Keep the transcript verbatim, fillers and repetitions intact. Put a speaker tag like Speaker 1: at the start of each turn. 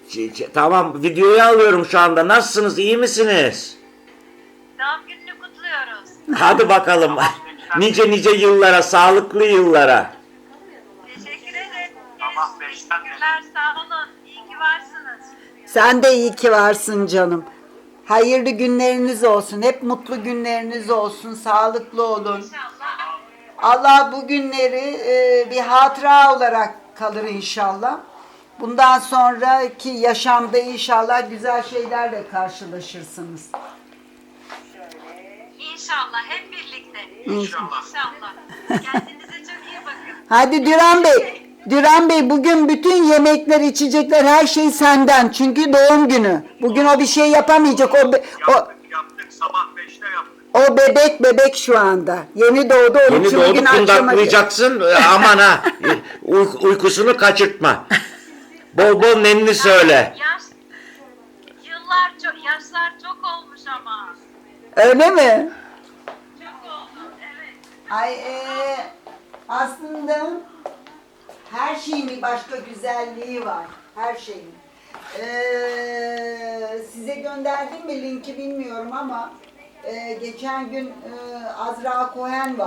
Speaker 1: Ç- ç- Tamam, videoyu alıyorum şu anda. Nasılsınız? İyi misiniz?
Speaker 2: Doğum gününü kutluyoruz.
Speaker 1: Hadi bakalım. Nice nice yıllara, sağlıklı yıllara.
Speaker 2: Teşekkür ederim. Teşekkürler, sağ olun. İyi ki varsınız.
Speaker 3: Sen de iyi ki varsın canım. Hayırlı günleriniz olsun. Hep mutlu günleriniz olsun. Sağlıklı olun.
Speaker 2: İnşallah.
Speaker 3: Allah bu günleri e, bir hatıra olarak kalır inşallah. Bundan sonraki yaşamda inşallah güzel şeylerle karşılaşırsınız.
Speaker 2: İnşallah hep birlikte. İnşallah. İnşallah. Kendinize çok iyi bakın.
Speaker 3: Hadi Düran Bey. Düran Bey, bugün bütün yemekler, içecekler, her şey senden. Çünkü doğum günü. Bugün o bir şey yapamayacak. O, be- o,
Speaker 4: Yaptık yaptık sabah beşte yaptık.
Speaker 3: o bebek bebek şu anda. Yeni doğdu. Onun
Speaker 1: Yeni
Speaker 3: için
Speaker 1: doğdu,
Speaker 3: bugün akşama...
Speaker 1: kundaklayacaksın. Aman ha. Uy- uykusunu kaçırtma. Bol bol nenni söyle.
Speaker 2: Yaş, yıllar çok, yaşlar çok olmuş ama.
Speaker 3: Öyle mi?
Speaker 2: Çok oldu, evet.
Speaker 3: Ay e, aslında her şeyin bir başka güzelliği var. Her şeyin. Ee, size gönderdim mi linki bilmiyorum ama e, geçen gün e, Azra Cohen var.